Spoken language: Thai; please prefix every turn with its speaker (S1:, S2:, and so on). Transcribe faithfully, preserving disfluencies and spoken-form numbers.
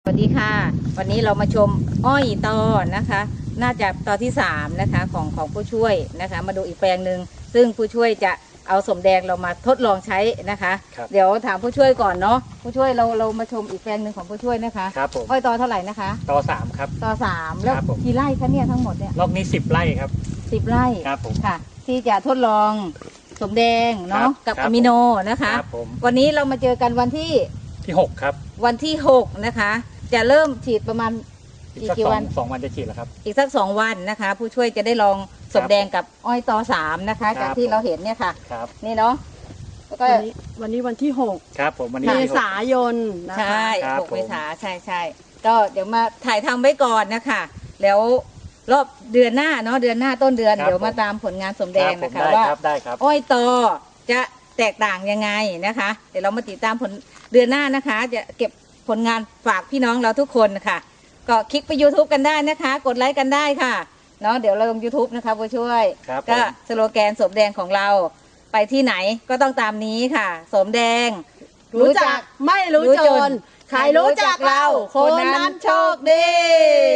S1: สวัสดีค่ะวันนี้เรามาชมอ้อยตอนะคะน่าจะตอที่สามนะคะของของผู้ช่วยนะคะมาดูอีกแปลงหนึ่งซึ่งผู้ช่วยจะเอาสมแดงเรามาทดลองใช้นะคะเดี๋ยวถามผู้ช่วยก่อนเนาะผู้ช่วยเราเรามาชมอีกแปลงหนึ่งของผู้ช่วยนะคะ
S2: ครับผม
S1: อ้อยตอเท่าไหร่นะคะ
S2: ต่อสามครับ
S1: ตอสามแล้วกี่ไร่คะเนี่ยทั้งหมดเนี่ย
S2: รอบนี้สิบไร่ครับ
S1: สิบไร่
S2: ครับผม
S1: ค่ะที่จะทดลองสมแดงเนาะกับอะมิโนนะคะวันนี้เรามาเจอกันวันที่
S2: ที่หกครับ
S1: วันที่หกนะคะจะเริ่มฉีดประมาณ
S2: อีกกี่วันสองวันจะฉีดแล้วครับ
S1: อีกสักสองวันนะคะผู้ช่วยจะได้ลองสมแดงกับอ้อยตอสามนะคะจากที่เราเห็นเนี่ยค่ะนี่เนาะ
S3: แล้วก็วันนี้วันนี้วันที่หก
S2: ครับผมวันนี้
S3: เมษายนนะคะ
S1: ใช่หกเมษาใช่ใช่ก็เดี๋ยวมาถ่ายทำไว้ก่อนนะคะแล้วรอบเดือนหน้าเนาะเดือนหน้าต้นเดือนเดี๋ยวมาตามผลงานสมแดงนะคะว่าอ้อยตอจะแตกต่างยังไงนะคะเดี๋ยวเรามาติดตามผลเดือนหน้านะคะจะเก็บผลงานฝากพี่น้องเราทุกคนค่ะก็คลิกไป ยูทูบ กันได้นะคะกดไลค์กันได้ค่ะเนาะเดี๋ยวเราลง ยูทูบ นะคะผู้ช่วยก็สโลแกนสมแดงของเราไปที่ไหนก็ต้องตามนี้ค่ะสมแดง
S3: รู้จักไม่รู้จนใครรู้จักเราคนนั้นโชคดี